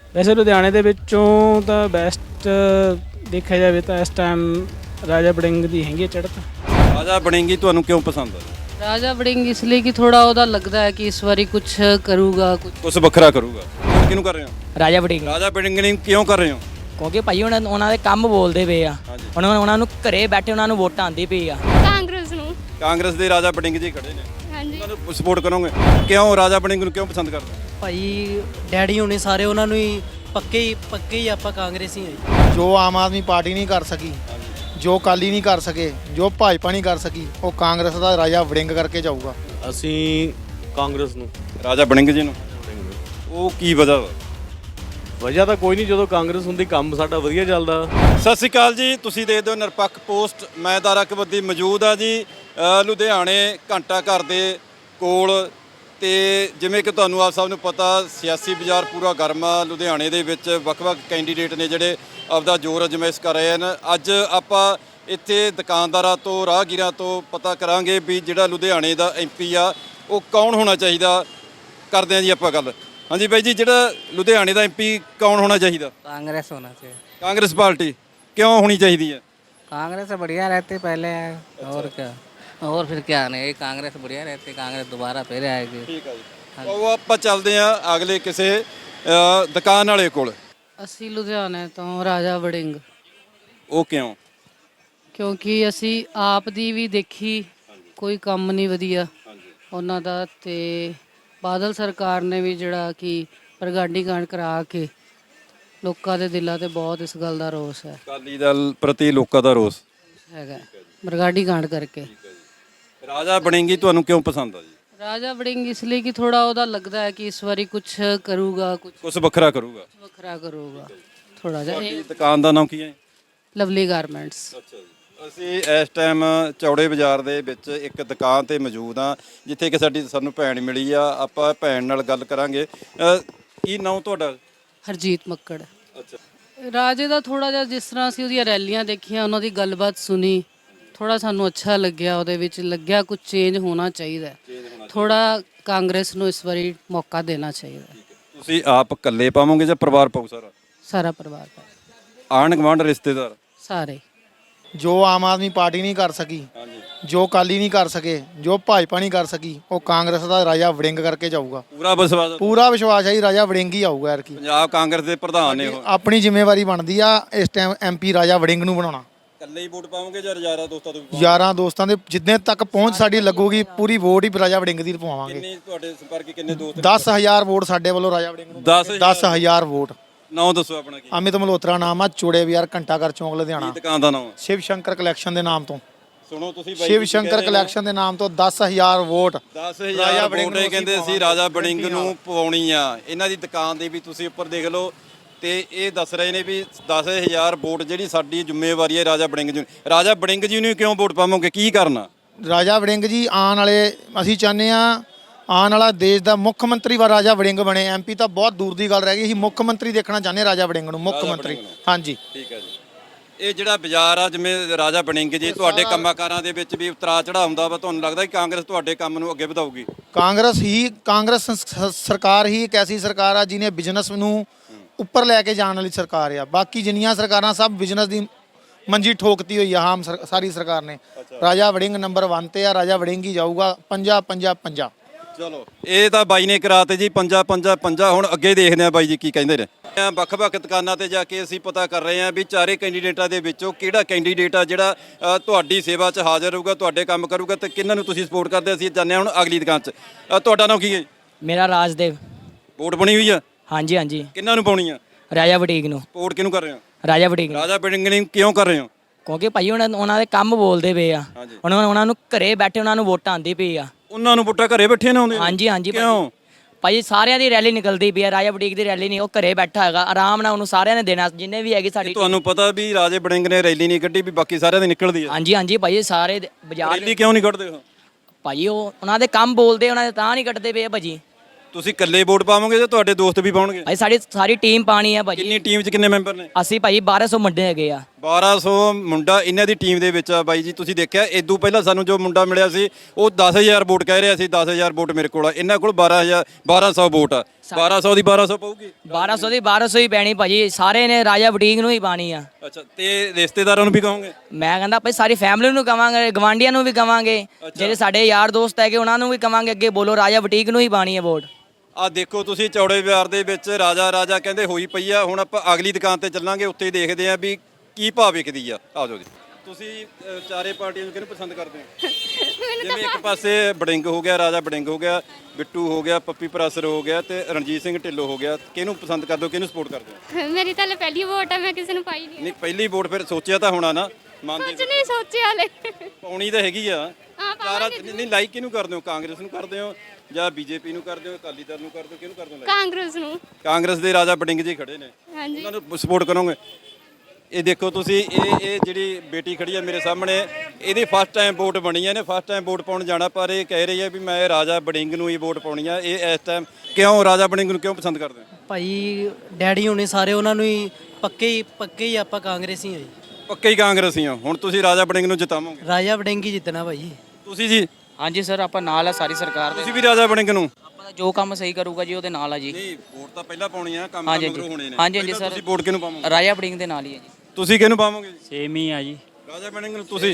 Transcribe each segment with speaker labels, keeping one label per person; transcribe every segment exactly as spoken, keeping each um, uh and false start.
Speaker 1: ਵੈਸੇ ਲੁਧਿਆਣੇ ਦੇ ਵਿੱਚੋਂ ਤਾਂ ਬੈਸਟ ਦੇਖਿਆ ਜਾਵੇ ਤਾਂ ਇਸ ਟਾਈਮ ਰਾਜਾ ਵੜਿੰਗ ਦੀ ਹੈਗੀ ਚੜ੍ਹਤ।
Speaker 2: ਰਾਜਾ ਵੜਿੰਗੀ ਤੁਹਾਨੂੰ ਕਿਉਂ ਪਸੰਦ ਹੈ?
Speaker 3: ਰਾਜਾ ਵੜਿੰਗ ਇਸ ਲਈ ਕਿ ਥੋੜਾ ਉਹਦਾ ਲੱਗਦਾ ਹੈ ਕਿ ਇਸ ਵਾਰੀ ਕੁਝ ਕਰੂਗਾ, ਕੁਝ
Speaker 2: ਕੁਛ ਵੱਖਰਾ ਕਰੂਗਾ। ਹੁਣ ਕਿਹਨੂੰ ਕਰ ਰਹੇ ਹੋ?
Speaker 4: ਰਾਜਾ ਵੜਿੰਗ।
Speaker 2: ਰਾਜਾ ਵੜਿੰਗ ਨੂੰ ਕਿਉਂ ਕਰ ਰਹੇ ਹੋ?
Speaker 4: ਕਿਉਂਕਿ ਭਾਈ ਉਹਨਾਂ ਉਹਨਾਂ ਦੇ ਕੰਮ ਬੋਲਦੇ ਪਏ ਆ,
Speaker 2: ਹਾਂਜੀ।
Speaker 4: ਉਹਨਾਂ ਉਹਨਾਂ ਨੂੰ ਘਰੇ ਬੈਠੇ ਉਹਨਾਂ ਨੂੰ ਵੋਟਾਂ ਆਉਂਦੀ ਪਈ ਆ।
Speaker 5: ਕਾਂਗਰਸ ਨੂੰ।
Speaker 2: ਕਾਂਗਰਸ ਦੇ ਰਾਜਾ ਵੜਿੰਗ ਜੀ ਖੜੇ ਨੇ,
Speaker 5: ਹਾਂਜੀ।
Speaker 2: ਉਹਨਾਂ ਨੂੰ ਸਪੋਰਟ ਕਰੋਗੇ? ਕਿਉਂ ਰਾਜਾ ਵੜਿੰਗ ਨੂੰ ਕਿਉਂ ਪਸੰਦ ਕਰਦੇ?
Speaker 6: ਭਾਈ ਡੈਡੀ ਹੋਣੇ ਸਾਰੇ ਉਹਨਾਂ ਨੂੰ ਹੀ ਪੱਕੇ ਹੀ ਪੱਕੇ ਹੀ ਆਪਾਂ ਕਾਂਗਰਸੀ ਹਾਂ।
Speaker 7: ਜੋ ਆਮ ਆਦਮੀ ਪਾਰਟੀ ਨਹੀਂ ਕਰ ਸਕੀ, ਜੋ ਅਕਾਲੀ ਨਹੀਂ ਕਰ ਸਕੇ, ਜੋ ਭਾਜਪਾ ਨਹੀਂ ਕਰ ਸਕੀ, ਉਹ ਕਾਂਗਰਸ ਦਾ ਰਾਜਾ ਵੜਿੰਗ ਕਰਕੇ ਜਾਊਗਾ।
Speaker 8: ਅਸੀਂ ਕਾਂਗਰਸ ਨੂੰ।
Speaker 2: ਰਾਜਾ ਵੜਿੰਗ ਜੀ ਨੂੰ? ਉਹ ਕੀ ਵਜ੍ਹਾ ਵਾ?
Speaker 8: ਵਜ੍ਹਾ ਤਾਂ ਕੋਈ ਨਹੀਂ, ਜਦੋਂ ਕਾਂਗਰਸ ਹੁੰਦੀ ਕੰਮ ਸਾਡਾ ਵਧੀਆ ਚੱਲਦਾ।
Speaker 2: ਸਤਿ ਸ਼੍ਰੀ ਅਕਾਲ ਜੀ, ਤੁਸੀਂ ਦੇਖਦੇ ਹੋ ਨਿਰਪੱਖ ਪੋਸਟ। ਮੈਂ ਦਾਰਾ ਕਬੱਦੀ ਮੌਜੂਦ ਆ ਜੀ ਅ, ਲੁਧਿਆਣੇ ਘੰਟਾ ਘਰ ਦੇ ਕੋਲ। ਤੇ ਜਿਵੇਂ ਕਿ ਤੁਹਾਨੂੰ ਆਪ ਸਭ ਨੂੰ ਪਤਾ, ਸਿਆਸੀ ਬਾਜ਼ਾਰ ਪੂਰਾ ਗਰਮ ਆ। ਲੁਧਿਆਣੇ ਦੇ ਵਿੱਚ ਵੱਖ-ਵੱਖ ਕੈਂਡੀਡੇਟ ਨੇ ਜਿਹੜੇ ਆਪਦਾ ਜ਼ੋਰ ਅਜ਼ਮਾਇਸ਼ ਕਰ ਰਹੇ ਹਨ। ਅੱਜ ਆਪਾਂ ਇੱਥੇ ਦੁਕਾਨਦਾਰਾਂ ਤੋਂ, ਰਾਹਗੀਰਾਂ ਤੋਂ ਪਤਾ ਕਰਾਂਗੇ ਵੀ ਜਿਹੜਾ ਲੁਧਿਆਣੇ ਦਾ ਐਮਪੀ ਆ ਉਹ ਕੌਣ ਹੋਣਾ ਚਾਹੀਦਾ। ਕਰਦੇ ਹਾਂ ਜੀ ਆਪਾਂ ਗੱਲ। ਹਾਂਜੀ ਬਾਈ ਜੀ, ਜਿਹੜਾ ਲੁਧਿਆਣੇ ਦਾ ਐਮਪੀ ਕੌਣ ਹੋਣਾ ਚਾਹੀਦਾ?
Speaker 6: कांग्रेस होना चाहिए।
Speaker 2: ਕਾਂਗਰਸ ਪਾਰਟੀ ਕਿਉਂ ਹੋਣੀ ਚਾਹੀਦੀ ਹੈ?
Speaker 6: कांग्रेस से बढ़िया रहती पहले है और क्या, और फिर क्या नहीं, कांग्रेस बढ़िया रहती, कांग्रेस दोबारा फिर आएगी।
Speaker 2: ਠੀਕ ਹੈ ਜੀ। ਉਹ ਆਪਾਂ ਚੱਲਦੇ ਆ ਅਗਲੇ ਕਿਸੇ ਅ, ਦੁਕਾਨ ਵਾਲੇ ਕੋਲ।
Speaker 3: ਅਸੀਂ ਲੁਧਿਆਣੇ ਤੋਂ ਰਾਜਾ ਵੜਿੰਗ,
Speaker 2: ਉਹ ਕਿਉਂ?
Speaker 3: ਕਿਉਂਕਿ ਅਸੀਂ ਆਪ ਦੀ ਵੀ ਦੇਖੀ, ਕੋਈ ਕੰਮ ਨਹੀਂ ਵਧੀਆ ਉਹਨਾਂ ਦਾ। ਤੇ ਬਾਦਲ ਸਰਕਾਰ ਨੇ ਵੀ ਜਿਹੜਾ ਕਿ ਪ੍ਰਗਾਡੀ ਕਾਂਡ ਕਰਾ ਕੇ ਲੋਕਾਂ ਦੇ ਦਿਲਾਂ ਤੇ ਬਹੁਤ ਇਸ ਗੱਲ ਦਾ ਰੋਸ ਹੈ
Speaker 2: ਅਕਾਲੀ ਦਲ ਪ੍ਰਤੀ ਲੋਕਾਂ ਦਾ ਰੋਸ
Speaker 3: ਹੈਗਾ, ਬਰਗਾਡੀ ਕਾਂਡ ਕਰਕੇ।
Speaker 2: ਰਾਜਾ ਵੜਿੰਗੀ ਤੁਹਾਨੂੰ ਕਿਉਂ ਪਸੰਦ ਆ ਜੀ?
Speaker 3: ਰਾਜਾ ਵੜਿੰਗ ਇਸ ਲਈ ਕਿ ਥੋੜਾ ਉਹਦਾ ਲੱਗਦਾ ਹੈ ਕਿ ਇਸ ਵਾਰੀ ਕੁਝ ਕਰੂਗਾ, ਕੁਝ
Speaker 2: ਕੁਛ ਵੱਖਰਾ ਕਰੂਗਾ।
Speaker 3: ਵੱਖਰਾ ਕਰੂਗਾ ਥੋੜਾ ਜਿਹਾ।
Speaker 2: ਤੁਹਾਡੀ ਦੁਕਾਨ ਦਾ ਨਾਮ ਕੀ ਹੈ?
Speaker 3: Lovely garments.
Speaker 2: ਅੱਛਾ ਜੀ। ਅਸੀਂ ਇਸ ਟਾਈਮ ਚੌੜੇ ਬਾਜ਼ਾਰ ਦੇ ਵਿੱਚ ਇੱਕ ਦੁਕਾਨ ਤੇ ਮੌਜੂਦ ਆ, ਜਿੱਥੇ ਕਿ ਸਾਡੀ ਸਾਨੂੰ ਭੈਣ ਮਿਲੀ ਆ। ਆਪਾਂ ਭੈਣ ਨਾਲ ਗੱਲ ਕਰਾਂਗੇ। ਅ, ਕੀ ਨਾਮ ਤੁਹਾਡਾ?
Speaker 3: ਹਰਜੀਤ ਮੱਕੜ।
Speaker 2: ਅੱਛਾ।
Speaker 3: ਰਾਜੇ ਦਾ ਥੋੜਾ ਜਿਹਾ, ਜਿਸ ਤਰ੍ਹਾਂ ਅਸੀਂ ਉਹਦੀਆਂ ਰੈਲੀਆਂ ਦੇਖੀਆਂ, ਉਹਨਾਂ ਦੀ ਗੱਲਬਾਤ ਸੁਣੀ, ਥੋੜਾ ਸਾਨੂੰ ਅੱਛਾ ਲੱਗਿਆ। ਉਹਦੇ ਵਿੱਚ ਲੱਗਿਆ ਕੁਝ ਚੇਂਜ ਹੋਣਾ ਚਾਹੀਦਾ, ਥੋੜਾ ਕਾਂਗਰਸ ਨੂੰ ਇਸ ਵਾਰੀ ਮੌਕਾ ਦੇਣਾ ਚਾਹੀਦਾ।
Speaker 2: ਤੁਸੀਂ ਆਪ ਇਕੱਲੇ ਪਾਵੋਗੇ ਜਾਂ ਪਰਿਵਾਰ ਪਾਉ ਸਾਰਾ?
Speaker 3: ਸਾਰਾ ਪਰਿਵਾਰ ਦਾ,
Speaker 2: ਆਂਢ ਗੁਆਂਢ ਰਿਸ਼ਤੇਦਾਰ
Speaker 3: ਸਾਰੇ।
Speaker 7: ਜੋ ਆਮ ਆਦਮੀ ਪਾਰਟੀ ਨਹੀਂ ਕਰ ਸਕੀ, ਜੋ ਅਕਾਲੀ ਨਹੀਂ ਕਰ ਸਕੇ, ਜੋ ਭਾਜਪਾ ਨਹੀਂ ਕਰ ਸਕੀ, ਉਹ ਕਾਂਗਰਸ ਦਾ ਰਾਜਾ ਵੜਿੰਗ ਕਰਕੇ ਜਾਊਗਾ।
Speaker 2: ਪੂਰਾ ਵਿਸ਼ਵਾਸ?
Speaker 7: ਪੂਰਾ ਵਿਸ਼ਵਾਸ ਹੈ ਜੀ, ਰਾਜਾ ਵੜਿੰਗ ਹੀ ਆਊਗਾ ਯਾਰ। ਕੀ
Speaker 2: ਪੰਜਾਬ ਕਾਂਗਰਸ ਦੇ ਪ੍ਰਧਾਨ ਨੇ ਉਹ।
Speaker 7: ਆਪਣੀ ਜ਼ਿੰਮੇਵਾਰੀ ਬਣਦੀ ਆ ਇਸ ਟਾਈਮ ਐਮਪੀ ਰਾਜਾ ਵੜਿੰਗ ਨੂੰ ਬਣਾਉਣਾ।
Speaker 2: ਇਕੱਲੇ ਹੀ ਵੋਟ ਪਾਵੋਗੇ ਜਾਂ ਯਾਰਾਂ ਦੋਸਤਾਂ ਤੋਂ?
Speaker 7: ਯਾਰਾਂ ਦੋਸਤਾਂ ਦੇ ਜਿੰਨੇ ਤੱਕ ਪਹੁੰਚ ਸਾਡੀ ਲੱਗੂਗੀ, ਪੂਰੀ ਵੋਟ ਹੀ ਰਾਜਾ ਵੜਿੰਗ ਦੀ ਪਵਾਵਾਂਗੇ।
Speaker 2: ਕਿੰਨੇ ਤੁਹਾਡੇ ਸੰਪਰਕ, ਕਿੰਨੇ ਦੋਸਤ?
Speaker 7: ਦਸ ਹਜ਼ਾਰ ਵੋਟ ਸਾਡੇ ਵੱਲੋਂ ਰਾਜਾ ਵੜਿੰਗ ਨੂੰ।
Speaker 2: ਦਸ
Speaker 7: ਦਸ ਹਜ਼ਾਰ ਵੋਟ।
Speaker 2: ਨਾਮ ਦੱਸੋ ਆਪਣਾ। ਕੀ
Speaker 7: ਅਮਿਤ ਮਲਹੋਤਰਾ ਨਾਮ ਆ, ਚੋੜੇ ਬਾਜ਼ਾਰ ਘੰਟਾ ਘਰ ਚੌਂਕ ਲੁਧਿਆਣਾ।
Speaker 2: ਦੁਕਾਨ ਦਾ ਨਾਮ?
Speaker 7: ਸ਼ਿਵ ਸ਼ੰਕਰ ਕਲੈਕਸ਼ਨ ਦੇ ਨਾਮ ਤੋਂ।
Speaker 2: ਸੁਣੋ ਤੁਸੀਂ ਬਾਈ,
Speaker 7: ਸ਼ਿਵ ਸ਼ੰਕਰ ਕਲੈਕਸ਼ਨ ਦੇ ਨਾਮ ਤੋਂ ਦਸ ਹਜ਼ਾਰ ਵੋਟ।
Speaker 2: ਦਸ ਹਜ਼ਾਰ ਵੋਟ ਇਹ ਕਹਿੰਦੇ ਅਸੀਂ ਰਾਜਾ ਵੜਿੰਗ ਨੂੰ ਪਵਾਉਣੀ ਆ। ਇਹਨਾਂ ਦੀ ਦੁਕਾਨ ਦੇ ਵੀ ਤੁਸੀਂ ਉੱਪਰ ਦੇਖ ਲਓ, ਤੇ ਇਹ ਦੱਸ ਰਹੇ ਨੇ ਵੀ ਦਸ ਹਜ਼ਾਰ ਵੋਟ ਜਿਹੜੀ ਸਾਡੀ ਜ਼ਿੰਮੇਵਾਰੀ ਹੈ ਰਾਜਾ ਵੜਿੰਗ ਜੀ। ਰਾਜਾ ਵੜਿੰਗ ਜੀ ਨੂੰ ਕਿਉਂ ਵੋਟ ਪਾਵੋਗੇ? ਕੀ ਕਰਨਾ?
Speaker 7: ਰਾਜਾ ਵੜਿੰਗ ਜੀ ਆਉਣ ਵਾਲੇ, ਅਸੀਂ ਚਾਹੁੰਦੇ ਆ ਆਉਣ ਵਾਲਾ ਦੇਸ਼ ਦਾ ਮੁੱਖ ਮੰਤਰੀ ਵਾ ਰਾਜਾ ਵੜਿੰਗ ਬਣੇ। ਐਮਪੀ ਤਾਂ ਬਹੁਤ ਦੂਰ ਦੀ ਗੱਲ ਰਹਿ ਗਈ, ਅਸੀਂ ਮੁੱਖ ਮੰਤਰੀ ਦੇਖਣਾ ਚਾਹੁੰਦੇ ਰਾਜਾ ਵੜਿੰਗ ਨੂੰ, ਮੁੱਖ ਮੰਤਰੀ। ਹਾਂਜੀ
Speaker 2: ਠੀਕ ਹੈ ਜੀ। ਇਹ ਜਿਹੜਾ ਬਾਜ਼ਾਰ ਆ, ਜਿਵੇਂ ਰਾਜਾ ਵੜਿੰਗ ਜੀ, ਤੁਹਾਡੇ ਕੰਮਾਂ-ਕਾਰਾਂ ਦੇ ਵਿੱਚ ਵੀ ਉਤਰਾ ਚੜਾ ਹੁੰਦਾ ਵਾ, ਤੁਹਾਨੂੰ ਲੱਗਦਾ ਕਿ ਕਾਂਗਰਸ ਤੁਹਾਡੇ ਕੰਮ ਨੂੰ ਅੱਗੇ ਵਧਾਊਗੀ?
Speaker 7: ਕਾਂਗਰਸ ਹੀ, ਕਾਂਗਰਸ ਸ- ਸਰਕਾਰ ਹੀ ਇੱਕ ਐਸੀ ਸਰਕਾਰ ਆ ਜਿਹਨੇ ਬਿਜ਼ਨਸ ਨੂੰ ਉੱਪਰ ਲੈ ਕੇ ਜਾਣ ਵਾਲੀ ਸਰਕਾਰ ਆ। ਬਾਕੀ ਜਿੰਨੀਆਂ ਸਰਕਾਰਾਂ ਸਭ ਬਿਜ਼ਨਸ ਦੀ ਮੰਜੀ ਠੋਕਤੀ ਹੋਈ ਆ ਆਮ ਸਰ- ਸਾਰੀ ਸਰਕਾਰ ਨੇ। ਰਾਜਾ ਵੜਿੰਗ ਨੰਬਰ ਇੱਕ ਤੇ ਆ, ਰਾਜਾ ਵੜਿੰਗ ਹੀ ਜਾਊਗਾ। ਪੰਜਾ ਪੰਜਾ ਪੰਜਾ।
Speaker 2: ਚਲੋ, ਇਹ ਤਾਂ ਬਾਈ ਨੇ ਕਰਾਤੇ ਜੀ ਪੰਜਾ ਪੰਜਾ ਪੰਜਾ। ਹੁਣ ਅੱਗੇ ਦੇਖਦੇ ਆ ਬਾਈ ਜੀ ਕੀ ਕਹਿੰਦੇ ਨੇ। ਵੱਖ-ਵੱਖ ਦੁਕਾਨਾਂ ਤੇ ਜਾ ਕੇ ਅਸੀਂ ਪਤਾ ਕਰ ਰਹੇ ਹਾਂ ਵੀ ਚਾਰੇ ਕੈਂਡੀਡੇਟਾਂ ਦੇ ਵਿੱਚੋਂ ਕਿਹੜਾ ਕੈਂਡੀਡੇਟ ਆ ਜਿਹੜਾ ਅ, ਤੁਹਾਡੀ ਸੇਵਾ 'ਚ ਹਾਜ਼ਰ ਹੋਊਗਾ, ਤੁਹਾਡੇ ਕੰਮ ਕਰੂਗਾ, ਤੇ ਕਿਹਨਾਂ ਨੂੰ ਤੁਸੀਂ ਸਪੋਰਟ ਕਰਦੇ। ਅਸੀਂ ਜਾਂਦੇ ਹਾਂ ਹੁਣ ਅਗਲੀ ਦੁਕਾਨ 'ਚ। ਅ, ਤੁਹਾਡਾ ਨਾਮ ਕੀ ਹੈ?
Speaker 4: ਮੇਰਾ ਰਾਜਦੇਵ।
Speaker 2: ਵੋਟ ਬਣੀ ਹੋਈ ਆ?
Speaker 4: ਹਾਂਜੀ ਹਾਂਜੀ,
Speaker 2: ਕਿਹਨਾਂ ਨੂੰ ਪਾਉਣੀ ਆ?
Speaker 4: ਰਾਜਾ ਵੜਿੰਗ ਨੂੰ।
Speaker 2: ਸਪੋਰਟ ਕਿਹਨੂੰ ਕਰ ਰਹੇ ਹੋ?
Speaker 4: ਰਾਜਾ ਵੜਿੰਗ।
Speaker 2: ਰਾਜਾ ਵੜਿੰਗ ਨੂੰ ਕਿਉਂ ਕਰ ਰਹੇ ਹੋ?
Speaker 4: ਕਿਉਂਕਿ ਭਾਈ ਉਹਨਾਂ ਉਹਨਾਂ ਦੇ ਕੰਮ ਬੋਲਦੇ ਪਏ ਆ,
Speaker 2: ਹਾਂਜੀ।
Speaker 4: ਉਹਨਾਂ ਉਹਨਾਂ ਨੂੰ ਘਰੇ ਬੈਠੇ ਉਹਨਾਂ ਨੂੰ ਵੋਟਾਂ ਆਉਂਦੀ ਪਈ ਆ।
Speaker 2: ਉਹਨਾਂ ਨੂੰ ਵੋਟਾਂ ਘਰੇ ਬੈਠੇ ਨੇ ਆਉਂਦੇ?
Speaker 4: ਹਾਂਜੀ ਹਾਂਜੀ
Speaker 2: ਕਿਉਂ?
Speaker 4: ਭਾਈ ਸਾਰਿਆਂ ਦੀ ਰੈਲੀ ਨਿਕਲਦੀ ਪਈ ਆ, ਰਾਜਾ ਵੜਿੰਗ ਦੀ ਰੈਲੀ ਨਹੀਂ। ਉਹ ਘਰੇ ਬੈਠਾ ਹੈਗਾ, ਆਰਾਮ ਨਾਲ ਉਹਨੂੰ ਸਾਰਿਆਂ ਨੇ ਦੇਣਾ, ਜਿੰਨੇ ਵੀ ਹੈਗੀ ਸਾਡੀ।
Speaker 2: ਤੁਹਾਨੂੰ ਪਤਾ ਵੀ ਰਾਜੇ ਵੜਿੰਗ ਨੇ ਰੈਲੀ ਨਹੀਂ ਕੱਢੀ, ਵੀ ਬਾਕੀ ਸਾਰਿਆਂ ਦੀ ਨਿਕਲਦੀ ਹੈ।
Speaker 4: ਹਾਂਜੀ ਹਾਂਜੀ ਭਾਈ, ਸਾਰੇ ਦੇ- ਬਾਜ਼ਾਰ
Speaker 2: ਰੈਲੀ ਕਿਉਂ ਨਹੀਂ ਕੱਢਦੇ ਹੋ?
Speaker 4: ਭਾਈ ਉਹ ਉਹਨਾਂ ਦੇ ਕੰਮ ਬੋਲਦੇ, ਉਹਨਾਂ ਦੇ ਤਾਂ ਨਹੀਂ ਕੱਢਦੇ ਪਏ ਆ ਭਾਜੀ।
Speaker 2: ਤੁਸੀਂ ਇਕੱਲੇ ਵੋਟ ਪਾਵੋਗੇ ਜਾਂ ਤੁਹਾਡੇ ਦੋਸਤ ਵੀ ਪਾਉਣਗੇ?
Speaker 4: ਭਾਈ ਸਾਡੀ ਸਾਰੀ ਟੀਮ ਪਾਣੀ ਆ ਭਾਜੀ।
Speaker 2: ਕਿੰਨੀ ਟੀਮ 'ਚ ਕਿੰਨੇ ਮੈਂਬਰ ਨੇ?
Speaker 4: ਅਸੀਂ ਭਾਈ ਬਾਰਾਂ ਸੌ ਮੁੰਡੇ ਹੈਗੇ ਆ।
Speaker 2: ਬਾਰਾਂ ਸੌ ਮੁੰਡਾ ਇਹਨਾਂ ਦੀ ਟੀਮ ਦੇ ਵਿੱਚ ਆ ਬਾਈ ਜੀ। ਤੁਸੀਂ ਦੇਖਿਆ ਇਦੋਂ ਪਹਿਲਾਂ ਸਾਨੂੰ ਜੋ ਮੁੰਡਾ ਮਿਲਿਆ ਸੀ ਉਹ ਦਸ ਹਜ਼ਾਰ ਵੋਟ ਕਹਿ ਰਿਹਾ ਸੀ, ਦਸ ਹਜ਼ਾਰ ਵੋਟ ਮੇਰੇ ਕੋਲ ਆ, ਇਹਨਾਂ ਕੋਲ ਬਾਰਾਂ ਹਜ਼ਾਰ ਬਾਰਾਂ ਸੌ ਵੋਟ ਆ। ਬਾਰਾਂ ਸੌ ਦੀ ਬਾਰਾਂ ਸੌ ਪਊਗੀ,
Speaker 4: ਬਾਰਾਂ ਸੌ ਦੀ ਬਾਰਾਂ ਸੌ ਹੀ ਪੈਣੀ ਭਾਜੀ, ਸਾਰੇ ਨੇ ਰਾਜਾ ਬੁਟੀਕ ਨੂੰ ਹੀ ਪਾਣੀ ਆ।
Speaker 2: ਅੱਛਾ, ਤੇ ਰਿਸ਼ਤੇਦਾਰਾਂ ਨੂੰ ਵੀ ਕਹੋਗੇ?
Speaker 4: ਮੈਂ ਕਹਿੰਦਾ ਭਾਈ ਸਾਰੀ ਫੈਮਿਲੀ ਨੂੰ ਕਵਾਂਗੇ, ਗਵਾਂਡੀਆਂ ਨੂੰ ਵੀ ਕਵਾਂਗੇ, ਜਿਹੜੇ ਸਾਡੇ ਯਾਰ ਦੋਸਤ ਹੈਗੇ ਉਹਨਾਂ ਨੂੰ ਵੀ ਕਵਾਂਗੇ, ਅੱਗੇ ਬੋਲੋ ਰਾਜਾ ਬੁਟੀਕ ਨੂੰ ਹੀ ਪਾਣੀ ਹੈ ਵੋਟ।
Speaker 2: ਆ ਦੇਖੋ ਤੁਸੀਂ ਚੌੜੇ ਬਾਜ਼ਾਰ ਦੇ ਵਿੱਚ ਰਾਜਾ ਰਾਜਾ ਕਹਿੰਦੇ ਹੋਈ ਪਈ ਆ। ਹੁਣ ਆਪਾਂ ਅਗਲੀ ਦੁਕਾਨ ਤੇ ਚੱਲਾਂਗੇ, ਉੱਥੇ ਹੀ ਦੇਖਦੇ ਆ ਵੀ ਕੀ ਭਾਅ ਵਿਕਦੀ ਆ। ਆ ਜਾਓ ਜੀ। ਤੁਸੀਂ ਅ, ਚਾਰੇ ਪਾਰਟੀਆਂ ਨੂੰ ਕਿਹਨੂੰ ਪਸੰਦ ਕਰਦੇ ਹੋ? ਜਿਵੇਂ ਇੱਕ ਪਾਸੇ ਬੜਿੰਗ ਹੋ ਗਿਆ, ਰਾਜਾ ਬੜਿੰਗ ਹੋ ਗਿਆ, ਬਿੱਟੂ ਹੋ ਗਿਆ, ਪੱਪੀ ਪਰਾਸਰ ਹੋ ਗਿਆ ਤੇ ਰਣਜੀਤ ਸਿੰਘ ਢਿੱਲੋਂ ਹੋ ਗਿਆ। ਕਿਹਨੂੰ ਪਸੰਦ ਕਰਦੇ ਹੋ, ਕਿਹਨੂੰ ਸਪੋਰਟ ਕਰਦੇ ਹੋ?
Speaker 5: ਮੇਰੀ ਤਾਂ ਹਲੇ ਪਹਿਲੀ ਵੋਟ ਆ, ਮੈਂ ਕਿਸੇ ਨੂੰ ਪਾਈ ਨਹੀਂ।
Speaker 2: ਨਹੀਂ, ਪਹਿਲੀ ਵੋਟ ਫਿਰ ਸੋਚਿਆ ਤਾਂ ਹੋਣਾ ਨਾ ਮਨ ਦੇ
Speaker 5: ਕੁਝ ਨਹੀਂ ਸੋਚਿਆ ਹਲੇ।
Speaker 2: ਪਾਉਣੀ ਤਾਂ ਹੈਗੀ ਆ।
Speaker 5: ਹਾਂ,
Speaker 2: ਚਾਰਾ ਨਹੀਂ, ਲਾਈਕ ਕਿਹਨੂੰ ਕਰਦੇ ਹੋ? ਕਾਂਗਰਸ ਨੂੰ ਕਰਦੇ ਹੋ ਜਾਂ ਬੀਜੇਪੀ ਨੂੰ ਕਰਦੇ ਹੋ, ਅਕਾਲੀ ਦਲ ਨੂੰ ਕਰਦੇ ਹੋ, ਕਿਹਨੂੰ ਕਰਦੇ ਹੋ?
Speaker 5: ਕਾਂਗਰਸ ਨੂੰ।
Speaker 2: ਕਾਂਗਰਸ ਦੇ ਰਾਜਾ ਬੜਿੰਗ ਜੀ ਖੜੇ ਨੇ,
Speaker 5: ਹਾਂਜੀ।
Speaker 2: ਉਹਨਾਂ ਨੂੰ ਸਪੋਰਟ ਕਰੋਗੇ? ਇਹ ਦੇਖੋ ਤੁਸੀਂ, ਇਹ ਇਹ ਜਿਹੜੀ ਬੇਟੀ ਖੜੀ ਹੈ ਮੇਰੇ ਸਾਹਮਣੇ, ਇਹਦੀ ਫਸਟ ਟਾਈਮ ਵੋਟ ਬਣੀ ਹੈ, ਇਹਨੇ ਫਸਟ ਟਾਈਮ ਵੋਟ ਪਾਉਣ ਜਾਣਾ, ਪਰ ਇਹ ਕਹਿ ਰਹੀ ਹੈ ਵੀ ਮੈਂ ਰਾਜਾ ਬੜਿੰਗ ਨੂੰ ਹੀ ਵੋਟ ਪਾਉਣੀ ਆ। ਇਹ ਇਸ ਟਾਈਮ ਕਿਉਂ ਰਾਜਾ ਬੜਿੰਗ ਨੂੰ ਕਿਉਂ ਪਸੰਦ ਕਰਦੇ ਹੋ?
Speaker 9: ਭਾਈ ਡੈਡੀ ਹੋਣੇ ਸਾਰੇ ਉਹਨਾਂ ਨੂੰ ਹੀ ਪੱਕੇ ਹੀ ਪੱਕੇ ਹੀ ਆਪਾਂ ਕਾਂਗਰਸੀ ਹੋਈ।
Speaker 2: ਪੱਕੇ ਹੀ ਕਾਂਗਰਸੀ ਹੋ। ਹੁਣ ਤੁਸੀਂ ਰਾਜਾ ਬੜਿੰਗ ਨੂੰ ਜਿਤਾਵੋਗੇ?
Speaker 9: ਰਾਜਾ ਵੜਿੰਗੀ ਜਿੱਤਣਾ ਭਾਈ।
Speaker 2: ਤੁਸੀਂ ਜੀ?
Speaker 4: ਹਾਂਜੀ ਸਰ, ਆਪਾਂ ਨਾਲ ਆ ਸਾਰੀ ਸਰਕਾਰ ਦੇ।
Speaker 2: ਤੁਸੀਂ ਵੀ ਰਾਜਾ ਬੜਿੰਗ ਨੂੰ?
Speaker 4: ਆਪਾਂ ਤਾਂ ਜੋ ਕੰਮ ਸਹੀ ਕਰੂਗਾ ਜੀ ਉਹਦੇ ਨਾਲ ਆ ਜੀ।
Speaker 2: ਨਹੀਂ, ਵੋਟ ਤਾਂ ਪਹਿਲਾਂ ਪਾਉਣੀ ਆ, ਕੰਮ
Speaker 4: ਹਾਂਜੀ,
Speaker 2: ਤਾਂ ਮਗਰੋਂ ਹੋਣੇ ਨੇ।
Speaker 4: ਹਾਂਜੀ, ਹਾਂਜੀ
Speaker 2: ਪਹਿਲਾਂ
Speaker 4: ਸਰ।
Speaker 2: ਤੁਸੀਂ ਵੋਟ ਕਿਹਨੂੰ ਪਾਵੋਗੇ?
Speaker 4: ਰਾਜਾ ਬੁਟੀਕ ਦੇ ਨਾਲ ਹੀ ਹੈ ਜੀ।
Speaker 2: ਤੁਸੀਂ ਕਿਹਨੂੰ ਪਾਵੋਗੇ?
Speaker 10: ਸੇਮ ਹੀ ਆ ਜੀ।
Speaker 2: ਰਾਜਾ ਬੜਿੰਗ ਨੂੰ। ਤੁਸੀਂ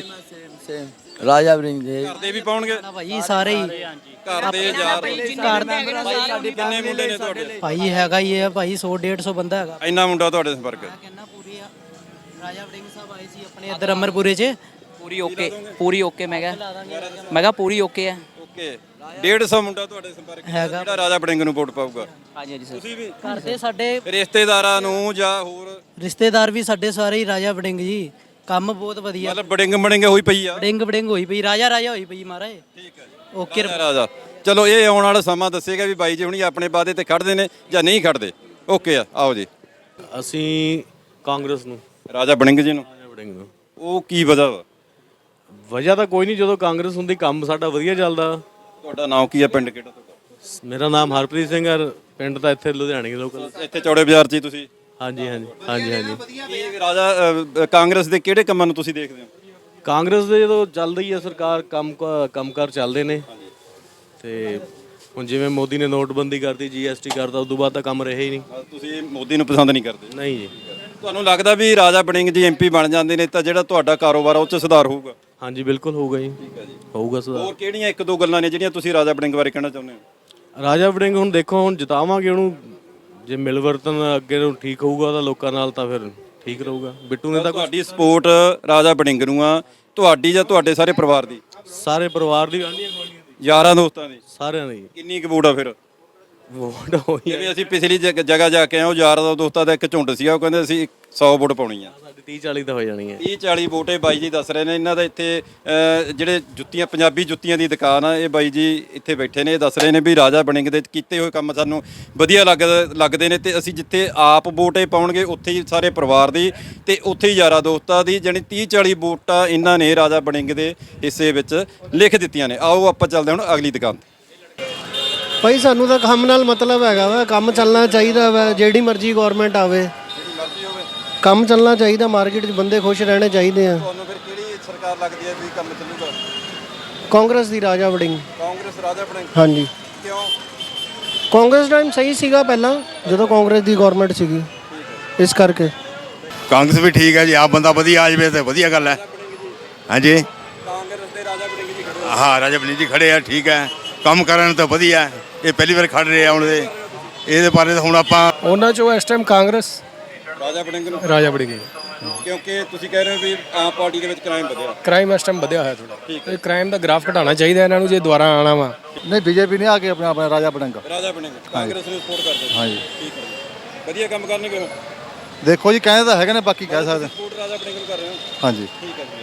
Speaker 10: ਰਾਜਾ ਬਰਿੰਗ ਦੇ
Speaker 2: ਘਰ ਦੇ ਵੀ ਪਾਉਣਗੇ?
Speaker 9: ਭਾਈ ਸਾਰੇ ਹੀ
Speaker 2: ਘਰ ਦੇ ਯਾਰ
Speaker 9: ਘਰ ਦੇ
Speaker 2: ਕਿੰਨੇ ਮੁੰਡੇ ਨੇ ਤੁਹਾਡੇ?
Speaker 9: ਭਾਈ ਹੈਗਾ ਹੀ ਹੈ ਭਾਈ ਸੌ ਡੇਢ ਸੌ ਬੰਦਾ ਹੈਗਾ।
Speaker 2: ਇੰਨਾ ਮੁੰਡਾ ਤੁਹਾਡੇ ਸੰਪਰਕ?
Speaker 9: ਕਹਿੰਦਾ ਪੂਰੀ ਆ। ਰਾਜਾ ਵੜਿੰਗ ਸਾਹਿਬ ਆਏ ਸੀ ਆਪਣੇ ਇੱਧਰ ਅਮਰਪੁਰੇ 'ਚ।
Speaker 4: ਪੂਰੀ ਓਕੇ, ਪੂਰੀ ਓਕੇ। ਮੈਂ ਕਿਹਾ ਮੈਂ ਕਿਹਾ ਪੂਰੀ ਓਕੇ ਹੈ।
Speaker 2: ਓਕੇ, ਡੇਢ ਸੌ ਮੁੰਡਾ ਤੁਹਾਡੇ ਸੰਪਰਕ
Speaker 9: ਹੈਗਾ।
Speaker 2: ਜਿਹੜਾ ਰਾਜਾ ਬੜਿੰਗ ਨੂੰ ਵੋਟ ਪਾਊਗਾ?
Speaker 4: ਹਾਂਜੀ ਹਾਂਜੀ ਸਰ।
Speaker 2: ਤੁਸੀਂ ਵੀ?
Speaker 9: ਘਰ ਦੇ ਸਾਡੇ
Speaker 2: ਰਿਸ਼ਤੇਦਾਰਾਂ ਨੂੰ ਜਾਂ ਹੋਰ?
Speaker 9: ਰਿਸ਼ਤੇਦਾਰ ਵੀ ਸਾਡੇ ਸਾਰੇ ਹੀ ਰਾਜਾ ਵੜਿੰਗ ਜੀ। ਕੰਮ ਬਹੁਤ ਵਧੀਆ।
Speaker 2: ਮਤਲਬ ਬੜਿੰਗ ਬੜਿੰਗ ਹੋਈ ਪਈ ਆ।
Speaker 9: ਵੜਿੰਗ ਵੜਿੰਗ ਹੋਈ ਪਈ, ਰਾਜਾ ਰਾਜਾ ਹੋਈ ਪਈ ਮਹਾਰਾਜ।
Speaker 2: ਠੀਕ ਹੈ ਜੀ।
Speaker 9: ਓਕੇ
Speaker 2: ਰਾਜਾ ਰਾਜਾ। ਚਲੋ ਇਹ ਆਉਣ ਵਾਲਾ ਸਮਾਂ ਦੱਸੇਗਾ ਵੀ ਬਾਈ ਜੀ ਹੁਣੀ ਆਪਣੇ ਵਾਅਦੇ ਤੇ ਖੜਦੇ ਨੇ ਜਾਂ ਨਹੀਂ ਖੜਦੇ। ਓਕੇ ਆ, ਆਓ ਜੀ।
Speaker 8: ਅਸੀਂ ਕਾਂਗਰਸ ਨੂੰ,
Speaker 2: ਰਾਜਾ ਬੜਿੰਗ ਜੀ ਨੂੰ।
Speaker 8: ਰਾਜਾ ਵੜਿੰਗ ਨੂੰ।
Speaker 2: ਉਹ ਕੀ ਵਜ੍ਹਾ ਵਾ?
Speaker 8: ਵਜ੍ਹਾ ਤਾਂ ਕੋਈ ਨਹੀਂ, ਜਦੋਂ ਕਾਂਗਰਸ ਹੁੰਦੀ ਕੰਮ ਸਾਡਾ ਵਧੀਆ ਚੱਲਦਾ।
Speaker 2: ਤੁਹਾਡਾ ਨਾਮ ਕੀ ਆ, ਪਿੰਡ ਕਿਹੜਾ ਤੁਹਾਡਾ?
Speaker 8: ਮੇਰਾ ਨਾਮ ਹਰਪ੍ਰੀਤ ਸਿੰਘ ਹੈ, ਪਿੰਡ ਤਾਂ ਇੱਥੇ ਲੁਧਿਆਣੇ ਦੇ ਲੋਕਲ।
Speaker 2: ਇੱਥੇ ਚੌੜੇ ਬਾਜ਼ਾਰ 'ਚ ਹੀ ਤੁਸੀਂ?
Speaker 8: ਹਾਂਜੀ ਹਾਂਜੀ ਹਾਂਜੀ ਹਾਂਜੀ।
Speaker 2: ਇਹ ਰਾਜਾ ਅ, ਕਾਂਗਰਸ ਦੇ ਕਿਹੜੇ ਕੰਮਾਂ ਨੂੰ ਤੁਸੀਂ ਦੇਖਦੇ ਹੋ?
Speaker 8: ਕਾਂਗਰਸ ਦੇ ਜਦੋਂ ਚੱਲਦੀ ਹੈ ਸਰਕਾਰ, ਕੰਮ ਕ- ਕੰਮਕਾਰ ਚੱਲਦੇ ਨੇ। ਤੇ ਹੁਣ ਜਿਵੇਂ ਮੋਦੀ ਨੇ ਨੋਟਬੰਦੀ ਕਰਤੀ, ਜੀਐਸਟੀ ਕਰਤਾ, ਉਸ ਤੋਂ ਬਾਅਦ ਤਾਂ ਕੰਮ ਰਹੇ ਹੀ ਨਹੀਂ।
Speaker 2: ਤੁਸੀਂ ਮੋਦੀ ਨੂੰ ਪਸੰਦ ਨਹੀਂ ਕਰਦੇ?
Speaker 8: ਨਹੀਂ ਜੀ।
Speaker 2: ਤੁਹਾਨੂੰ ਲੱਗਦਾ ਵੀ ਰਾਜਾ ਬੜਿੰਗ ਜੀ ਐਮਪੀ ਬਣ ਜਾਂਦੇ ਨੇ ਤਾਂ ਜਿਹੜਾ ਤੁਹਾਡਾ ਕਾਰੋਬਾਰ ਆ ਉਹ 'ਚ ਸੁਧਾਰ ਹੋਊਗਾ?
Speaker 8: ਹਾਂਜੀ ਬਿਲਕੁਲ ਹੋਊਗਾ ਜੀ। ਹੋਊਗਾ ਸੁਧਾਰ।
Speaker 2: ਹੋਰ ਕਿਹੜੀਆਂ ਇੱਕ ਦੋ ਗੱਲਾਂ ਨੇ ਜਿਹੜੀਆਂ ਤੁਸੀਂ ਰਾਜਾ ਬੜਿੰਗ ਬਾਰੇ ਕਹਿਣਾ ਚਾਹੁੰਦੇ ਹੋ?
Speaker 8: ਰਾਜਾ ਵੜਿੰਗ ਹੁਣ ਦੇਖੋ, ਹੁਣ ਜਿਤਾਵਾਂਗੇ ਉਹਨੂੰ, ਜੇ ਮਿਲਵਰਤਨ ਅੱਗੇ ਨੂੰ ਠੀਕ ਹੋਊਗਾ ਤਾਂ ਲੋਕਾਂ ਨਾਲ ਤਾਂ ਫਿਰ ਠੀਕ ਰਹੂਗਾ। ਬਿੱਟੂ ਨੇ ਤਾਂ
Speaker 2: ਤੁਹਾਡੀ ਸਪੋਰਟ ਰਾਜਾ ਬੜਿੰਗ ਨੂੰ ਆ, ਤੁਹਾਡੀ ਜਾਂ ਤੁਹਾਡੇ ਸਾਰੇ ਪਰਿਵਾਰ ਦੀ?
Speaker 8: ਸਾਰੇ ਪਰਿਵਾਰ ਦੀ, ਆਂਢੀਆਂ ਗੁਆਂਢੀਆਂ ਦੀ,
Speaker 2: ਯਾਰਾਂ ਦੋਸਤਾਂ ਦੀ?
Speaker 8: ਸਾਰਿਆਂ ਦੀ
Speaker 2: ਕਿੰਨੀ ਕੁ ਵੋਟ ਆ ਫਿਰ?
Speaker 8: ਵੋਟ ਹੋਈ ਹੈ।
Speaker 2: ਜਿਵੇਂ ਅਸੀਂ ਪਿਛਲੀ ਜਗ- ਜਗ੍ਹਾ ਜਾ ਕੇ ਆਏ, ਉਹ ਯਾਰਾਂ ਦੋਸਤਾਂ ਦਾ ਇੱਕ ਝੁੰਡ ਸੀਗਾ, ਉਹ ਕਹਿੰਦੇ ਅਸੀਂ ਸੌ ਵੋਟ ਪਾਉਣੀ ਆ।
Speaker 8: ਸਾਡੀ ਤੀਹ ਚਾਲੀ ਤਾਂ ਹੋ ਜਾਣੀ ਹੈ।
Speaker 2: ਤੀਹ ਚਾਲੀ ਵੋਟ ਇਹ ਬਾਈ ਜੀ ਦੱਸ ਰਹੇ ਨੇ। ਇਹਨਾਂ ਦਾ ਇੱਥੇ ਅ, ਜਿਹੜੇ ਜੁੱਤੀਆਂ, ਪੰਜਾਬੀ ਜੁੱਤੀਆਂ ਦੀ ਦੁਕਾਨ ਆ, ਇਹ ਬਾਈ ਜੀ ਇੱਥੇ ਬੈਠੇ ਨੇ। ਇਹ ਦੱਸ ਰਹੇ ਨੇ ਵੀ ਰਾਜਾ ਬੜਿੰਗ ਦੇ ਕੀਤੇ ਹੋਏ ਕੰਮ ਸਾਨੂੰ ਵਧੀਆ ਲੱਗ ਲੱਗਦੇ ਨੇ ਤੇ ਅਸੀਂ ਜਿੱਥੇ ਆਪ ਵੋਟ ਇਹ ਪਾਉਣਗੇ ਉੱਥੇ ਹੀ ਸਾਰੇ ਪਰਿਵਾਰ ਦੀ ਤੇ ਉੱਥੇ ਹੀ ਯਾਰਾਂ ਦੋਸਤਾਂ ਦੀ, ਜਾਣੀ ਤੀਹ ਚਾਲੀ ਵੋਟਾਂ ਇਹਨਾਂ ਨੇ ਰਾਜਾ ਬੜਿੰਗ ਦੇ ਹਿੱਸੇ ਵਿੱਚ ਲਿਖ ਦਿੱਤੀਆਂ ਨੇ। ਆਓ ਆਪਾਂ ਚੱਲਦੇ ਹੁਣ ਅਗਲੀ ਦੁਕਾਨ ਤੇ।
Speaker 11: ਭਾਈ ਸਾਨੂੰ ਤਾਂ ਕੰਮ ਨਾਲ ਮਤਲਬ ਹੈਗਾ ਵਾ, ਕੰਮ ਚੱਲਣਾ ਚਾਹੀਦਾ ਵਾ, ਜਿਹੜੀ ਮਰਜ਼ੀ ਗਵਰਨਮੈਂਟ ਆਵੇ, ਕੰਮ ਚੱਲਣਾ ਚਾਹੀਦਾ, ਮਾਰਕੀਟ 'ਚ ਬੰਦੇ ਖੁਸ਼ ਰਹਿਣੇ ਚਾਹੀਦੇ ਆ।
Speaker 2: ਤੁਹਾਨੂੰ ਫਿਰ ਕਿਹੜੀ ਸਰਕਾਰ ਲੱਗਦੀ ਹੈ ਵੀ ਕੰਮ ਚੱਲੂਗਾ?
Speaker 11: ਕਾਂਗਰਸ ਦੀ ਰਾਜਾ ਵੜਿੰਗ।
Speaker 2: ਕਾਂਗਰਸ ਰਾਜਾ ਬੜਿੰਗ?
Speaker 11: ਹਾਂਜੀ।
Speaker 2: ਕਿਉਂ?
Speaker 11: ਕਾਂਗਰਸ ਟਾਈਮ ਸਹੀ ਸੀਗਾ ਪਹਿਲਾਂ, ਜਦੋਂ ਕਾਂਗਰਸ ਦੀ ਗਵਰਨਮੈਂਟ ਸੀਗੀ, ਇਸ ਕਰਕੇ।
Speaker 12: ਕਾਂਗਰਸ ਵੀ ਠੀਕ ਹੈ ਜੀ, ਆਪ ਬੰਦਾ ਵਧੀਆ ਆ ਜਾਵੇ ਤਾਂ ਵਧੀਆ ਗੱਲ ਹੈ। ਹਾਂਜੀ,
Speaker 2: ਕਾਂਗਰਸ ਦੇ ਰਾਜਾ ਬੜਿੰਗ ਜੀ ਖੜੇ?
Speaker 12: ਹਾਂ, ਰਾਜਾ ਬੜਿੰਗ ਜੀ ਖੜੇ ਆ, ਠੀਕ ਹੈ, ਕੰਮ ਕਰਨ ਤਾਂ ਵਧੀਆ। ਇਹ ਪਹਿਲੀ ਵਾਰ ਖੜ ਰਹੇ ਆ ਹੁਣ ਦੇ, ਇਹਦੇ ਬਾਰੇ ਤਾਂ ਹੁਣ ਆਪਾਂ
Speaker 11: ਉਹਨਾਂ 'ਚੋਂ ਇਸ ਟਾਈਮ ਕਾਂਗਰਸ
Speaker 2: ਰਾਜਾ ਬੜਿੰਗ ਨੂੰ?
Speaker 11: ਰਾਜਾ ਵੜਿੰਗ।
Speaker 2: ਕਿਉਂਕਿ ਤੁਸੀਂ ਕਹਿ ਰਹੇ ਹੋ ਵੀ ਆਮ ਪਾਰਟੀ ਦੇ ਵਿੱਚ ਕ੍ਰਾਈਮ ਵਧਿਆ।
Speaker 11: ਕ੍ਰਾਈਮ ਇਸ ਟਾਈਮ ਵਧਿਆ ਹੋਇਆ ਥੋੜਾ, ਇਹ ਕ੍ਰਾਈਮ ਦਾ ਗ੍ਰਾਫ ਘਟਾਉਣਾ ਚਾਹੀਦਾ ਇਹਨਾਂ ਨੂੰ ਜੇ ਦੁਬਾਰਾ ਆਣਾ ਵਾ।
Speaker 12: ਨਹੀਂ, ਬੀਜੇਪੀ ਨੇ ਆ ਕੇ ਆਪਣਾ ਆਪਣਾ ਰਾਜਾ ਬੜਿੰਗ।
Speaker 2: ਰਾਜਾ ਬੜਿੰਗ ਕਾਂਗਰਸ ਨੂੰ ਸਪੋਰਟ ਕਰਦੇ?
Speaker 12: ਹਾਂਜੀ,
Speaker 2: ਠੀਕ ਹੈ। ਵਧੀਆ ਕੰਮ ਕਰਨਗੇ ਉਹ?
Speaker 12: ਦੇਖੋ ਜੀ, ਕਹਿੰਦੇ ਤਾਂ ਹੈਗੇ ਨੇ, ਬਾਕੀ ਕਹਿ ਸਕਦੇ।
Speaker 2: ਸਪੋਰਟ ਰਾਜਾ ਬੜਿੰਗ ਨੂੰ ਕਰ ਰਹੇ ਹੋ?
Speaker 12: ਹਾਂਜੀ।
Speaker 2: ਠੀਕ ਹੈ ਜੀ।